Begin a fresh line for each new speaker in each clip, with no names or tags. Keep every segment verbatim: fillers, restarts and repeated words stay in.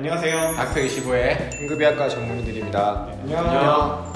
안녕하세요.
닥터 이십오의
응급의학과 전문의들입니다.
네, 안녕.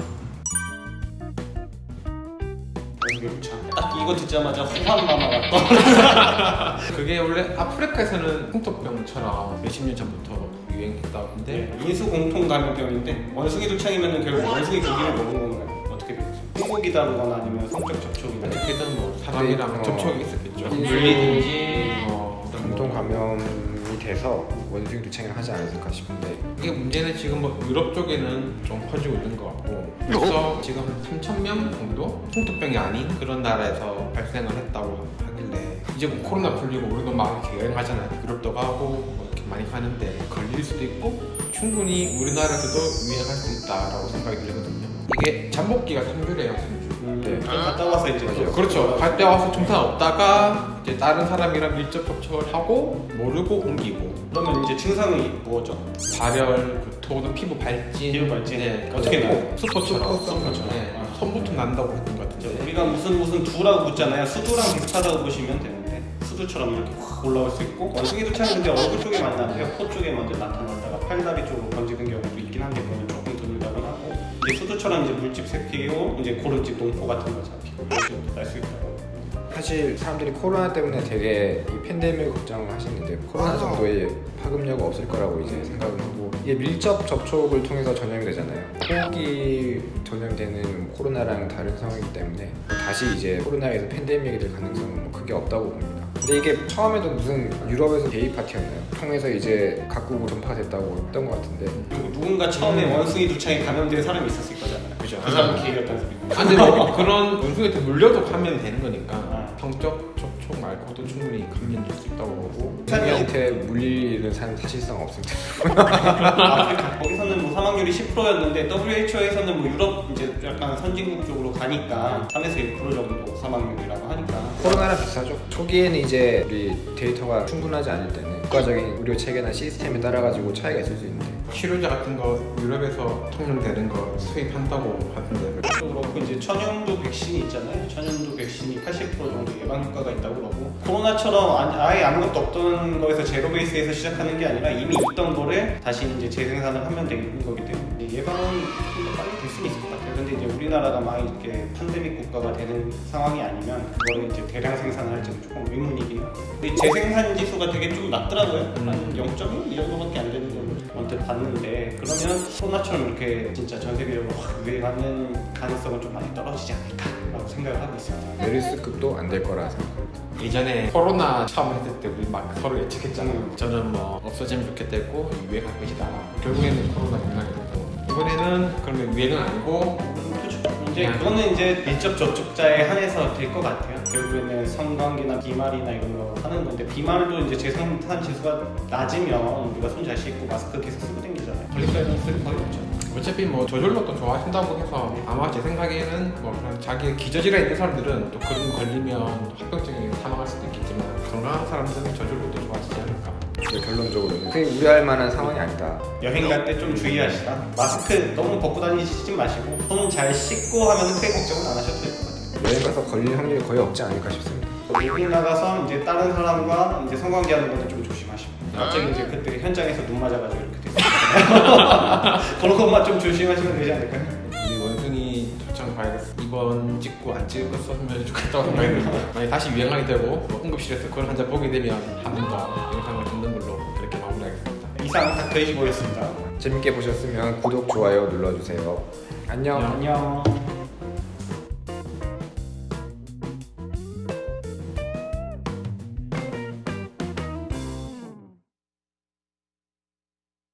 딱 이거 듣자마자 호환마마가 떠.
그게 원래 아프리카에서는 홍토병처럼 몇십 년 전부터 유행했다고 하는데
네, 인수 공통 감염병인데 원숭이 두창이면 결국 원숭이 고기를 먹은 건가요? 어떻게 되죠? 소고기다거나 아니면 성적 접촉이나
어떻게든 뭐 사람이랑
네, 어.
접촉이 있었겠죠.
인수-
물리든지 뭐
공통 감염이 돼서 원숭이 두창을 하지 않았을까 싶은데
이게 문제는 지금 뭐 유럽 쪽에는 좀 퍼지고 있는 것 같고 그래서 지금 삼천 명 정도 홍토병이 아닌 그런 나라에서 발생을 했다고 하길래 이제 뭐 코로나 풀리고 우리도 막 이렇게 여행하잖아요. 유럽도 가고 뭐 이렇게 많이 가는데 걸릴 수도 있고 충분히 우리나라에서도 유행할 수 있다라고 생각이 들거든요. 이게 잠복기가 삼 주래요. 삼 주.
음,
네.
좀 갔다 와서 이제 또
그렇죠. 갈 때 와서 증상 없다가 이제 다른 사람이랑 밀접 접촉을 하고 모르고 옮기고
그러면 이제 증상이 뭐죠?
발열, 구토, 피부 발진,
피부 발진.
네,
어떻게 나요?
수포처럼,
수포처럼.
네,
아.
손부터 난다고 했던 것
이제
같은데.
우리가 무슨 무슨 두라고 붙잖아요. 수두랑 비슷하다고 보시면 되는데 수두처럼 이렇게 확 올라올 수 있고 원숭이 두창은 근데 얼굴 쪽에 많이 나는데요. 코 쪽에 먼저 나타났다가 팔다리 쪽으로 번지는 경우도 있긴 한데 그거는 조금 드물다고 하고 이제 수두처럼 이제 물집 새끼고 이제 고름집 농포 같은 거 잡히고 날 수 있다고.
사실 사람들이 코로나 때문에 되게 이 팬데믹 걱정을 하시는데 코로나 정도의 파급력은 없을 거라고 이제 생각을 하고 이게 밀접 접촉을 통해서 전염이 되잖아요. 호흡기 전염되는 코로나랑 다른 상황이기 때문에 다시 이제 코로나에서 팬데믹이 될 가능성은 뭐 크게 없다고 봅니다. 근데 이게 처음에도 무슨 유럽에서 데이 파티였나요? 통해서 이제 각국으로 전파가 됐다고 했던 것 같은데
그리고 누군가 처음에
음.
원숭이 두창에 감염된 사람이 있었을 거잖아요.
그죠.
그 사람 기회였다는 소리.
아, 근데 뭐 그런 원숭이한테 물려도 감염이 되는 거니까
아.
성적 접촉 말고도 충분히 감염될 수 있다고 보고
원숭이한테 물릴 일은 사- 사실상 없습니다.
아프리카 거기서는 뭐 사망률이 십 퍼센트였는데 더블유에이치오에서는 뭐 유럽 이제 약간 선진국 쪽으로 가니까 삼에서 일 퍼센트 정도 사망률이라고 하니까
코로나랑 비슷하죠. 초기에는 이제 우리 데이터가 충분하지 않을 때는 국가적인 의료 체계나 시스템에 따라 가지고 차이가 있을 수 있는데
치료제 같은 거 유럽에서 통용되는 거 수입한다고 하던데
또 그렇고 이제 천연두 백신이 있잖아요. 천연두 백신이 팔십 퍼센트 정도 예방 효과가 있다고 그러고 코로나처럼 아- 아예 아무것도 없던 거에서 제로 베이스에서 시작하는 게 아니라 이미 있던 거를 다시 이제 재생산을 하면 되는 거기 때문에 예방은 좀 더 빨리 될 수는 있을 것 같아요. 근데 이제 우리나라가 막 이렇게 팬데믹 국가가 되는 상황이 아니면 그거를 이제 대량 생산을 할지는 조금 의문이긴 하고 근데 재생산 지수가 되게 좀 낮더라고요. 한 영 점 일 이 정도밖에 안 되는 걸로 언뜻 봤는데 그러면 코로나처럼 이렇게 진짜 전 세계적으로 확 유행하는 가능성은 좀 많이 떨어지지 않을까라고 생각을 하고 있습니다.
메르스급도 안 될 거라 생각합니다.
예전에 코로나 처음 했을 때 우리 막 서로 예측했잖아요.
음.
저는 뭐 없어지면 좋겠다 했고 유행할 것이다. 결국에는 코로나 유행이 됐고 이번에는 그러면 유행은 아니고
그렇죠. 이제 그거는 이제 밀접 접촉자에 한해서 될 것 같아요. 결국에는 성관계나 비말이나 이런 거 하는 건데 비말도 이제 재생산 지수가 낮으면 우리가 손 잘 씻고 마스크 계속 쓰고 다니잖아요. 걸릴 가능성이 거의 없죠.
어차피 뭐 저절로 또 좋아하신다고 해서 아마 제 생각에는 뭐 그런 자기 기저질환 있는 사람들은 또 그런 거 걸리면 합병증에 사망할 수도 있겠지만 건강한 사람들은 저절로 또 좋아지지 않을까.
근데 결론적으로는 크게 우려할 만한 상황이 아니다.
여행 갈 때 좀 주의하시다. 마스크 너무 벗고 다니지 마시고 손 잘 씻고 하면 크게 걱정은 안 하셔도 될 것 같아요.
여행 가서 걸릴 확률이 거의 없지 않을까 싶습니다.
외국 나가서 이제 다른 사람과 이제 성관계하는 것도 좀 조심하시고. 갑자기 이제 그때 현장에서 눈 맞아가지고 이렇게 됐어요. 그런 것만 좀 조심하시면 되지 않을까요?
우리 원숭이 도청 바이러스 이번 찍고 안 찍을 거 썼으면 좋겠다고 생각이 듭니다. 만약 다시 유행하게 되고 뭐 응급실에서 그런 환자 보게 되면 한 번 더 영상을 찍는 걸로 그렇게 마무리하겠습니다.
이상 닥터 이십오였습니다.
재밌게 보셨으면 구독, 좋아요 눌러주세요. 안녕.
안녕.